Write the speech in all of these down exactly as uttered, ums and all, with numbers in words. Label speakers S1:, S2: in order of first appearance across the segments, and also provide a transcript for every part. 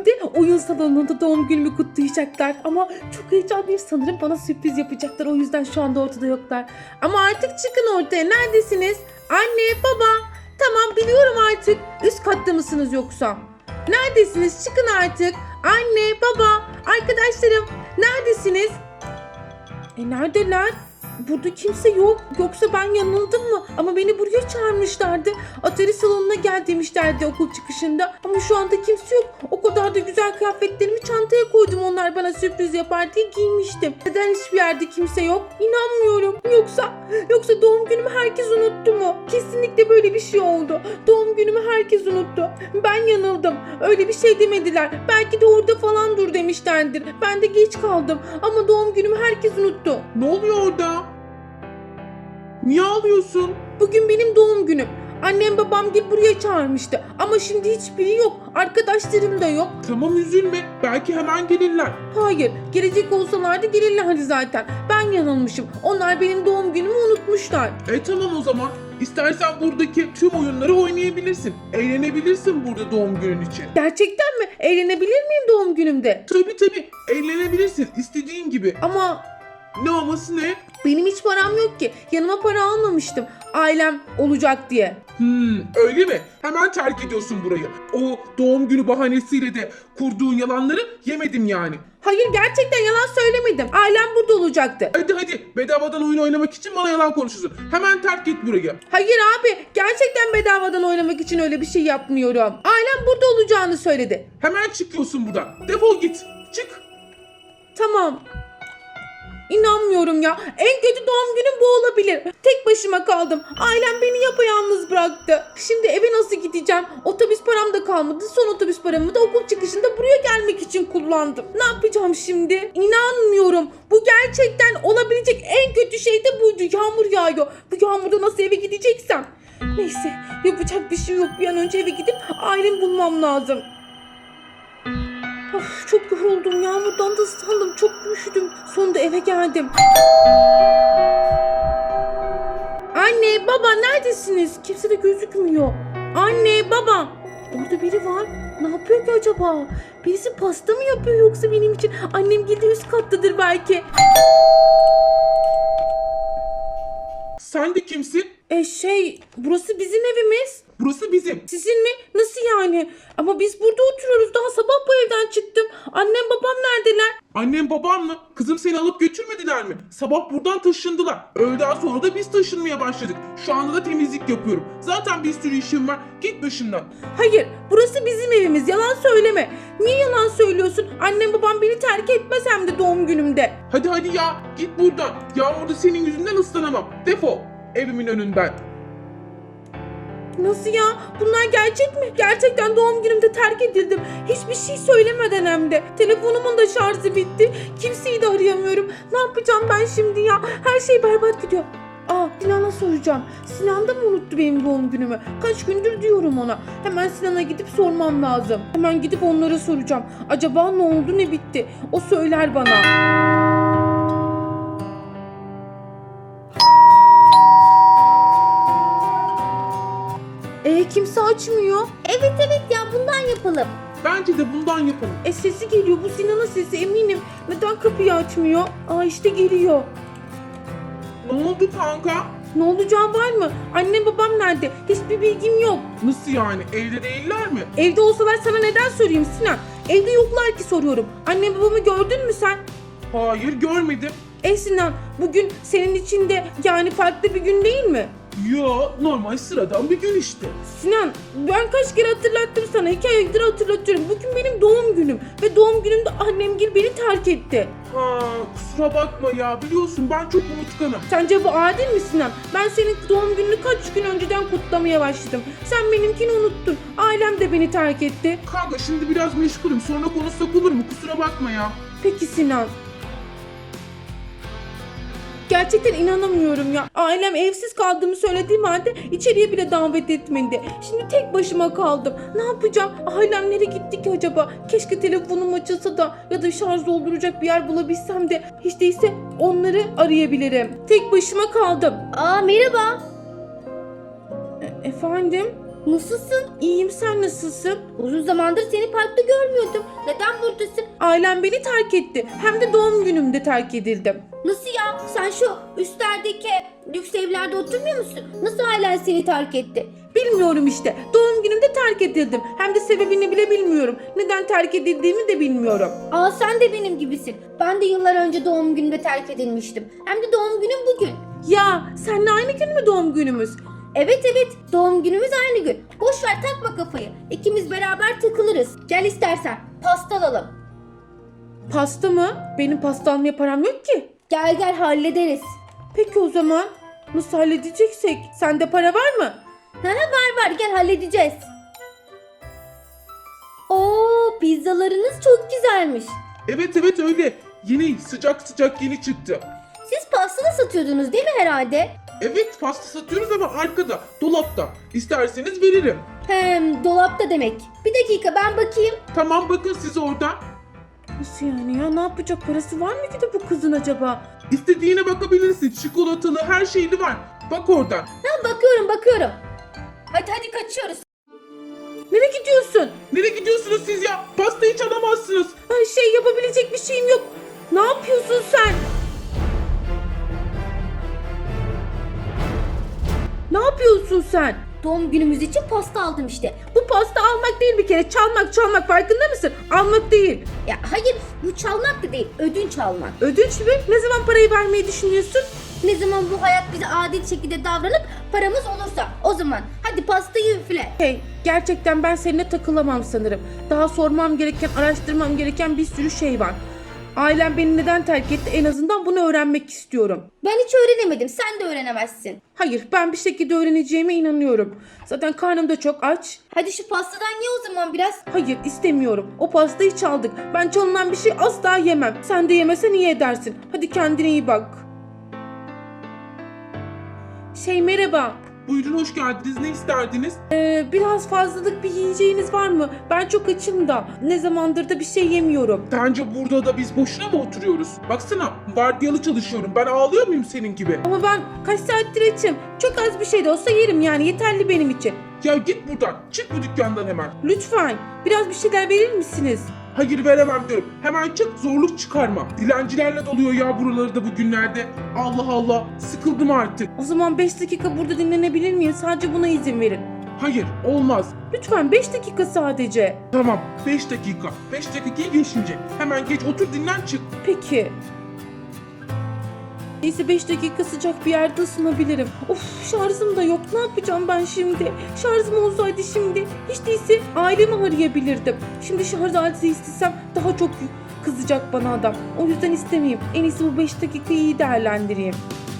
S1: hem de oyun salonunda doğum günümü kutlayacaklar. Ama çok heyecanlıyım, sanırım bana sürpriz yapacaklar. O yüzden şu anda ortada yoklar. Ama artık çıkın ortaya. Neredesiniz? Anne, baba. Tamam, biliyorum artık. Üst katta mısınız yoksa? Neredesiniz? Çıkın artık. Anne, baba, arkadaşlarım. Neredesiniz? E neredeler? Burada kimse yok. Yoksa ben yanıldım mı? Ama beni buraya çağırmışlardı. Atari salonuna gel demişlerdi okul çıkışında. Ama şu anda kimse yok. O kadar da güzel kıyafetlerimi çantaya koydum. Onlar bana sürpriz yapar diye giymiştim. Neden hiçbir yerde kimse yok? İnanmıyorum. Yoksa, yoksa doğum günümü herkes unuttu mu? Kesinlikle böyle bir şey oldu. Doğum günümü herkes unuttu. Ben yanıldım. Öyle bir şey demediler. Belki de orada falan dur demişlerdir. Ben de geç kaldım. Ama doğum günümü herkes unuttu.
S2: Ne oluyor orada? Niye ağlıyorsun?
S1: Bugün benim doğum günüm. Annem babam gel buraya çağırmıştı. Ama şimdi hiçbiri yok. Arkadaşlarım da yok.
S2: Tamam, üzülme. Belki hemen gelirler.
S1: Hayır, gelecek olsalardı gelirlerdi zaten. Ben yanılmışım. Onlar benim doğum günümü unutmuşlar.
S2: E tamam o zaman. İstersen buradaki tüm oyunları oynayabilirsin. Eğlenebilirsin burada doğum günün için.
S1: Gerçekten mi? Eğlenebilir miyim doğum günümde?
S2: Tabii tabii. Eğlenebilirsin. İstediğin gibi.
S1: Ama
S2: Ne olması ne?
S1: benim hiç param yok ki. Yanıma para almamıştım. Ailem olacak diye.
S2: Hmm, öyle mi? Hemen terk ediyorsun burayı. O doğum günü bahanesiyle de kurduğun yalanları yemedim yani.
S1: Hayır, gerçekten yalan söylemedim. Ailem burada olacaktı.
S2: Hadi hadi, bedavadan oyun oynamak için bana yalan konuşuyorsun. Hemen terk et burayı.
S1: Hayır abi, gerçekten bedavadan oynamak için öyle bir şey yapmıyorum. Ailem burada olacağını söyledi.
S2: Hemen çıkıyorsun buradan. Defol git. Çık.
S1: Tamam. İnanmıyorum ya. En kötü doğum günüm bu olabilir. Tek başıma kaldım. Ailem beni yapayalnız bıraktı. Şimdi eve nasıl gideceğim? Otobüs param da kalmadı. Son otobüs paramı da okul çıkışında buraya gelmek için kullandım. Ne yapacağım şimdi? İnanmıyorum. Bu gerçekten olabilecek en kötü şey de buydu. Yağmur yağıyor. Bu yağmurda nasıl eve gideceksem? Neyse, yapacak bir şey yok. Bir an önce eve gidip ailemi bulmam lazım. Of, çok yoruldum. Yağmurdan da ıslandım. Çok üşüdüm. Sonunda eve geldim. Anne, baba neredesiniz? Kimse de gözükmüyor. Anne, baba. Orada biri var. Ne yapıyor ki acaba? Birisi pasta mı yapıyor yoksa benim için? Annem geldi, üst kattadır belki.
S2: Sen de kimsin?
S1: E şey, burası bizim evimiz.
S2: Burası bizim.
S1: Sizin mi? Nasıl yani? Ama biz burada oturuyoruz. Daha sabah bu evden çıktım. Annem babam neredeler?
S2: Annem babam mı? Kızım seni alıp götürmediler mi? Sabah buradan taşındılar. Öğleden sonra da biz taşınmaya başladık. Şu anda da temizlik yapıyorum. Zaten bir sürü işim var. Git başımdan.
S1: Hayır, burası bizim evimiz. Yalan söyleme. Niye yalan söylüyorsun? Annem babam beni terk etmez hem de doğum günümde.
S2: Hadi hadi ya. Git buradan. Yağmurda senin yüzünden ıslanamam. Defol. Evimin önünden.
S1: Nasıl ya? Bunlar gerçek mi? Gerçekten doğum günümde terk edildim. Hiçbir şey söylemeden hem de. Telefonumun da şarjı bitti. Kimseyi de arayamıyorum. Ne yapacağım ben şimdi ya? Her şey berbat gidiyor. Aa, Sinan'a soracağım. Sinan da mı unuttu benim doğum günümü? Kaç gündür diyorum ona. Hemen Sinan'a gidip sormam lazım. Hemen gidip onlara soracağım. Acaba ne oldu, ne bitti? O söyler bana. E kimse açmıyor.
S3: Evet evet ya, bundan yapalım.
S2: Bence de bundan yapalım.
S1: E sesi geliyor. Bu Sinan'ın sesi eminim. Neden kapıyı açmıyor? Aa işte geliyor.
S2: Ne oldu kanka?
S1: Ne olacağı var mı? Annem babam nerede? Hiçbir bilgim yok.
S2: Nasıl yani? Evde değiller mi?
S1: Evde olsalar sana neden sorayım Sinan? Evde yoklar ki soruyorum. Annem babamı gördün mü sen?
S2: Hayır, görmedim.
S1: E Sinan, bugün senin için de yani farklı bir gün değil mi?
S2: Ya normal sıradan bir gün işte.
S1: Sinan, ben kaç kere hatırlattım sana. İki aydır hatırlatıyorum. Bugün benim doğum günüm. Ve doğum günümde annemgil beni terk etti.
S2: Ha, kusura bakma ya, biliyorsun ben çok unutkanım.
S1: Sence bu adil mi Sinan? Ben senin doğum gününü kaç gün önceden kutlamaya başladım. Sen benimkini unuttun. Ailem de beni terk etti.
S2: Kanka şimdi biraz meşgulüm, sonra konuşsak olur mu? Kusura bakma ya.
S1: Peki Sinan. Gerçekten inanamıyorum ya. Ailem evsiz kaldığımı söylediğim halde içeriye bile davet etmedi. Şimdi tek başıma kaldım. Ne yapacağım? Ailem nereye gitti ki acaba? Keşke telefonum açılsa da ya da şarj dolduracak bir yer bulabilsem de hiç değilse onları arayabilirim. Tek başıma kaldım.
S3: Aa merhaba.
S1: E- efendim?
S3: Nasılsın?
S1: İyiyim, sen nasılsın?
S3: Uzun zamandır seni parkta görmüyordum. Neden buradasın?
S1: Ailem beni terk etti. Hem de doğum günümde terk edildim.
S3: Nasıl ya? Sen şu üstlerdeki lüks evlerde oturmuyor musun? Nasıl ailen seni terk etti?
S1: Bilmiyorum işte. Doğum günümde terk edildim. Hem de sebebini bile bilmiyorum. Neden terk edildiğimi de bilmiyorum.
S3: Aa, sen de benim gibisin. Ben de yıllar önce doğum günümde terk edilmiştim. Hem de doğum günüm bugün.
S1: Ya seninle aynı gün mü doğum günümüz?
S3: Evet evet, doğum günümüz aynı gün. Boş ver, takma kafayı. İkimiz beraber takılırız. Gel istersen pasta alalım.
S1: Pasta mı? Benim pasta almaya param yok ki.
S3: Gel gel, hallederiz.
S1: Peki o zaman nasıl halledeceksek? Sende para var mı?
S3: Ha, var var, gel halledeceğiz. Oo, pizzalarınız çok güzelmiş.
S2: Evet evet öyle. Yeni sıcak sıcak yeni çıktı.
S3: Siz pasta da satıyordunuz değil mi herhalde?
S2: Evet pasta satıyoruz ama arkada dolapta. İsterseniz veririm.
S3: Hem dolapta demek. Bir dakika, ben bakayım.
S2: Tamam bakın siz orada.
S1: Nasıl yani ya? Ne yapacak, parası var mı ki de bu kızın acaba?
S2: İstediğine bakabilirsin. Çikolatalı her şeyli var. Bak oradan.
S3: Ha, bakıyorum bakıyorum. Hadi hadi, kaçıyoruz.
S1: Nereye gidiyorsun?
S2: Nereye gidiyorsunuz siz ya? Pastayı çalamazsınız.
S1: Ay şey, yapabilecek bir şeyim yok. Ne yapıyorsun sen? Ne yapıyorsun sen?
S3: Doğum günümüz için pasta aldım işte.
S1: Bu pasta almak değil bir kere. Çalmak çalmak, farkında mısın? Almak değil.
S3: Ya hayır, bu çalmak da değil, ödünç almak.
S1: Ödünç mü? Ne zaman parayı vermeyi düşünüyorsun?
S3: Ne zaman bu hayat bize adil şekilde davranıp paramız olursa o zaman. Hadi pastayı üfle.
S1: Hey, gerçekten ben seninle takılamam sanırım. Daha sormam gereken, araştırmam gereken bir sürü şey var. Ailem beni neden terk etti, en azından bunu öğrenmek istiyorum.
S3: Ben hiç öğrenemedim, sen de öğrenemezsin.
S1: Hayır, ben bir şekilde öğreneceğime inanıyorum. Zaten karnım da çok aç.
S3: Hadi şu pastadan ye o zaman biraz.
S1: Hayır, istemiyorum. O pastayı çaldık. Ben çalınan bir şey asla yemem. Sen de yemesen iyi edersin. Hadi kendine iyi bak. Şey, merhaba.
S2: Buyurun hoş geldiniz. Ne isterdiniz?
S1: Ee, biraz fazlalık bir yiyeceğiniz var mı? Ben çok açım da. Ne zamandır da bir şey yemiyorum.
S2: Sence burada da biz boşuna mı oturuyoruz? Baksana vardiyalı çalışıyorum. Ben ağlıyor muyum senin gibi?
S1: Ama ben kaç saattir açım. Çok az bir şey de olsa yerim yani. Yeterli benim için.
S2: Ya git buradan. Çık bu dükkandan hemen.
S1: Lütfen. Biraz bir şeyler verir misiniz?
S2: Hayır veremem diyorum. Hemen çık zorluk çıkarma. Dilencilerle doluyor ya buraları da bugünlerde. Allah Allah. Sıkıldım artık.
S1: O zaman beş dakika burada dinlenebilir miyim? Sadece buna izin verin.
S2: Hayır olmaz.
S1: Lütfen beş dakika sadece.
S2: Tamam beş dakika. beş dakikayı geçince. Hemen geç otur dinlen çık.
S1: Peki. Neyse, beş dakika sıcak bir yerde ısınabilirim. Of, şarjım da yok. Ne yapacağım ben şimdi? Şarjım olsaydı şimdi hiç değilse ailemi arayabilirdim. Şimdi şarj aleti istesem daha çok kızacak bana adam. O yüzden istemeyeyim. En iyisi bu beş dakikayı iyi değerlendireyim.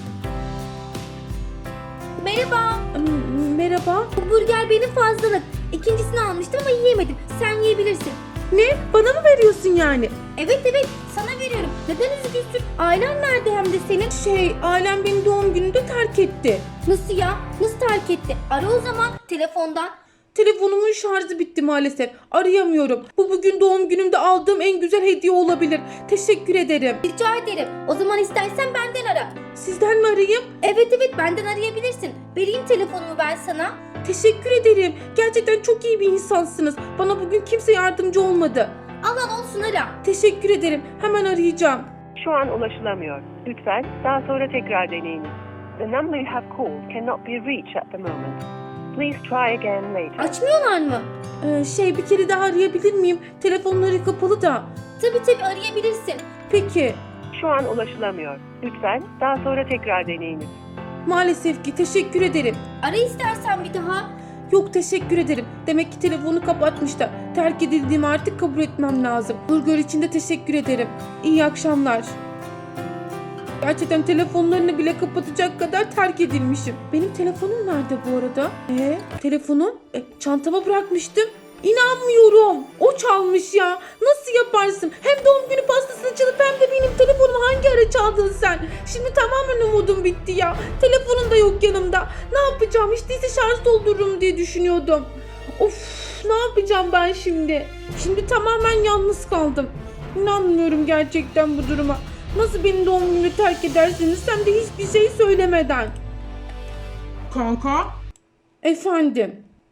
S3: Merhaba.
S1: M- Merhaba.
S3: Bu burger benim fazlalık. İkincisini almıştım ama yiyemedim. Sen yiyebilirsin.
S1: Ne? Bana mı veriyorsun yani?
S3: Evet evet, sana veriyorum. Neden üzgünsün? Ailen nerede hem de senin?
S1: Şey, ailem beni doğum gününde terk etti.
S3: Nasıl ya? Nasıl terk etti? Ara o zaman telefondan.
S1: Telefonumun şarjı bitti maalesef. Arayamıyorum. Bu bugün doğum günümde aldığım en güzel hediye olabilir. Teşekkür ederim.
S3: Rica ederim. O zaman istersen benden ara.
S1: Sizden mi arayayım?
S3: Evet evet, benden arayabilirsin. Vereyim telefonumu ben sana.
S1: Teşekkür ederim. Gerçekten çok iyi bir insansınız. Bana bugün kimse yardımcı olmadı.
S3: Al al, olsun, ara.
S1: Teşekkür ederim. Hemen arayacağım.
S4: Şu an ulaşılamıyor. Lütfen daha sonra tekrar deneyiniz. The number you have called cannot be reached at the moment. Please try again later.
S3: Açmıyorlar mı?
S1: Ee, şey, bir kere daha arayabilir miyim? Telefonları kapalı da.
S3: Tabii tabii, arayabilirsin.
S1: Peki.
S4: Şu an ulaşılamıyor. Lütfen daha sonra tekrar deneyiniz.
S1: Maalesef ki, teşekkür ederim.
S3: Ara istersen bir daha.
S1: Yok, teşekkür ederim. Demek ki telefonu kapatmışlar. Terk edildiğimi artık kabul etmem lazım. Burger için de teşekkür ederim. İyi akşamlar. Gerçekten telefonlarını bile kapatacak kadar terk edilmişim. Benim telefonum nerede bu arada? Ee, telefonum? E, çantama bırakmıştım. İnanmıyorum. O çalmış ya. Nasıl yaparsın? Hem doğum günü pastasını çalıp hem de benim telefonumu hangi ara çaldın sen? Şimdi tamamen umudum bitti ya. Telefonun da yok yanımda. Ne yapacağım? Hiç değilse şarj doldururum diye düşünüyordum. Of, ne yapacağım ben şimdi? Şimdi tamamen yalnız kaldım. İnanmıyorum gerçekten bu duruma. Nasıl benim doğum günümü terk edersiniz hem de hiçbir şey söylemeden?
S2: Kanka
S1: Efendim?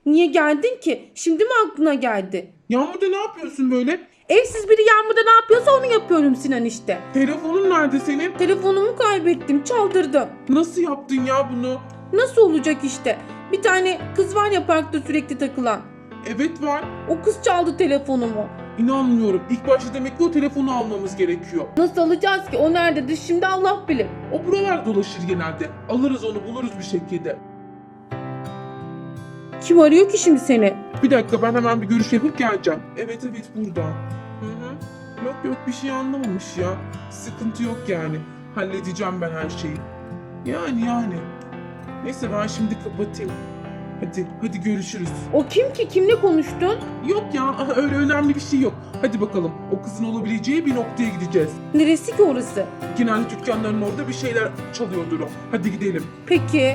S1: Niye geldin ki? Şimdi mi aklına geldi?
S2: Yağmurda ne yapıyorsun böyle?
S1: Evsiz biri yağmurda ne yapıyorsa onu yapıyorum Sinan işte.
S2: Telefonun nerede senin?
S1: Telefonumu kaybettim, çaldırdım.
S2: Nasıl yaptın ya bunu?
S1: Nasıl olacak işte? Bir tane kız var ya parkta sürekli takılan.
S2: Evet var.
S1: O kız çaldı telefonumu.
S2: İnanmıyorum. İlk başta demek ki o telefonu almamız gerekiyor.
S1: Nasıl alacağız ki? O nerededir şimdi Allah bilir.
S2: O buralar dolaşır genelde. Alırız onu, buluruz bir şekilde.
S1: Kim arıyor ki şimdi seni?
S2: Bir dakika, ben hemen bir görüş yapıp geleceğim. Evet evet, burada. Hı hı. Yok yok, bir şey anlamamış ya. Sıkıntı yok yani. Halledeceğim ben her şeyi. Yani yani. Neyse, ben şimdi kapatayım. Hadi hadi görüşürüz.
S1: O kim ki? Kimle konuştun?
S2: Yok ya, aha, öyle önemli bir şey yok. Hadi bakalım, o kızın olabileceği bir noktaya gideceğiz.
S1: Neresi ki orası?
S2: Genelde dükkanların orada bir şeyler çalıyordur o. Hadi gidelim.
S1: Peki.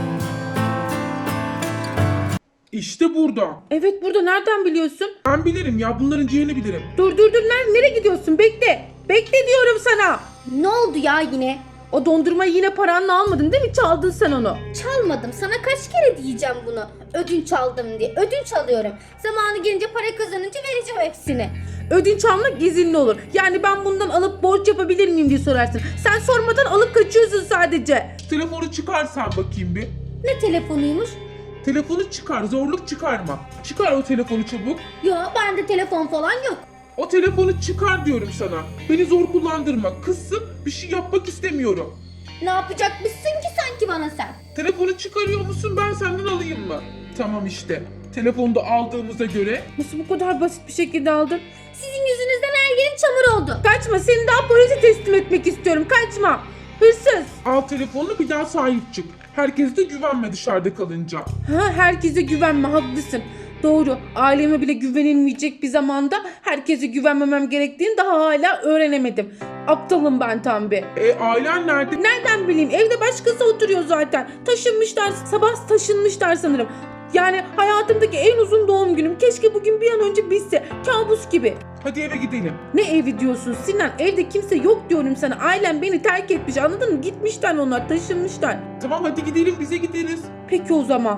S2: İşte burada.
S1: Evet burada, nereden biliyorsun?
S2: Ben bilirim ya, bunların ciğerini bilirim.
S1: Dur dur dur, nereye, nereye gidiyorsun? Bekle. Bekle diyorum sana.
S3: Ne oldu ya yine?
S1: O dondurmayı yine paranla almadın değil mi? Çaldın sen onu.
S3: Çalmadım. Sana kaç kere diyeceğim bunu. Ödünç aldım diye. Ödünç alıyorum. Zamanı gelince para kazanınca vereceğim hepsini.
S1: Ödünç almak izinli olur. Yani ben bundan alıp borç yapabilir miyim diye sorarsın. Sen sormadan alıp kaçıyorsun sadece.
S2: Telefonu çıkarsan bakayım bir.
S3: Ne telefonuymuş?
S2: Telefonu çıkar, zorluk çıkarma. Çıkar o telefonu çabuk.
S3: Ya bende telefon falan yok.
S2: O telefonu çıkar diyorum sana. Beni zor kullandırma. Kızsın, bir şey yapmak istemiyorum.
S3: Ne yapacakmışsın ki sanki bana sen?
S2: Telefonu çıkarıyor musun, ben senden alayım mı? Tamam işte. Telefonu da aldığımıza göre.
S1: Nasıl bu kadar basit bir şekilde aldın?
S3: Sizin yüzünüzden her yerim çamur oldu.
S1: Kaçma, seni daha polise teslim etmek istiyorum. Kaçma. Hırsız.
S2: Al telefonunu, bir daha sahip çık. Herkese de güvenme dışarıda kalınca.
S1: Ha, herkese güvenme, haklısın. Doğru, aileme bile güvenilmeyecek bir zamanda herkese güvenmemem gerektiğini daha hala öğrenemedim. Aptalım ben tam bir.
S2: E ailen nerede?
S1: Nereden bileyim, evde başkası oturuyor zaten. Taşınmışlar, sabah taşınmışlar sanırım. Yani hayatımdaki en uzun doğum günüm. Keşke bugün bir an önce bitse. Kabus gibi.
S2: Hadi eve gidelim.
S1: Ne evi diyorsun Sinan? Evde kimse yok diyorum sana. Ailem beni terk etmiş, anladın mı? Gitmişler onlar, taşınmışlar.
S2: Tamam hadi gidelim, bize gideriz.
S1: Peki o zaman.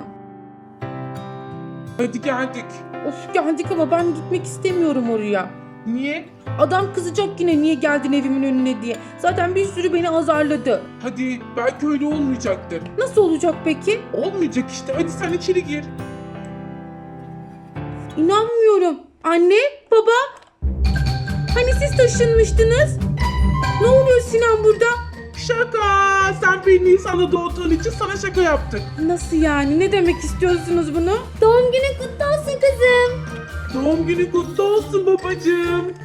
S2: Hadi geldik.
S1: Of, geldik ama ben gitmek istemiyorum oraya.
S2: Niye?
S1: Adam kızacak yine niye geldin evimin önüne diye. Zaten bir sürü beni azarladı.
S2: Hadi, belki öyle olmayacaktır.
S1: Nasıl olacak peki?
S2: Olmayacak işte, hadi sen içeri gir.
S1: İnanmıyorum. Anne, baba. Hani siz taşınmıştınız? Ne oluyor Sinan burada?
S2: Şaka! Sen bir Nisan'da doğduğun için sana şaka yaptık.
S1: Nasıl yani? Ne demek istiyorsunuz bunu?
S3: Doğum günün kutlu olsun kızım.
S2: Doğum günü kutlu olsun babacığım.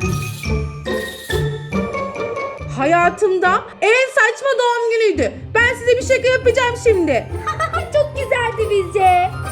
S1: Hayatımda en saçma doğum günüydü. Ben size bir şaka yapacağım şimdi.
S3: Çok güzeldi bizce.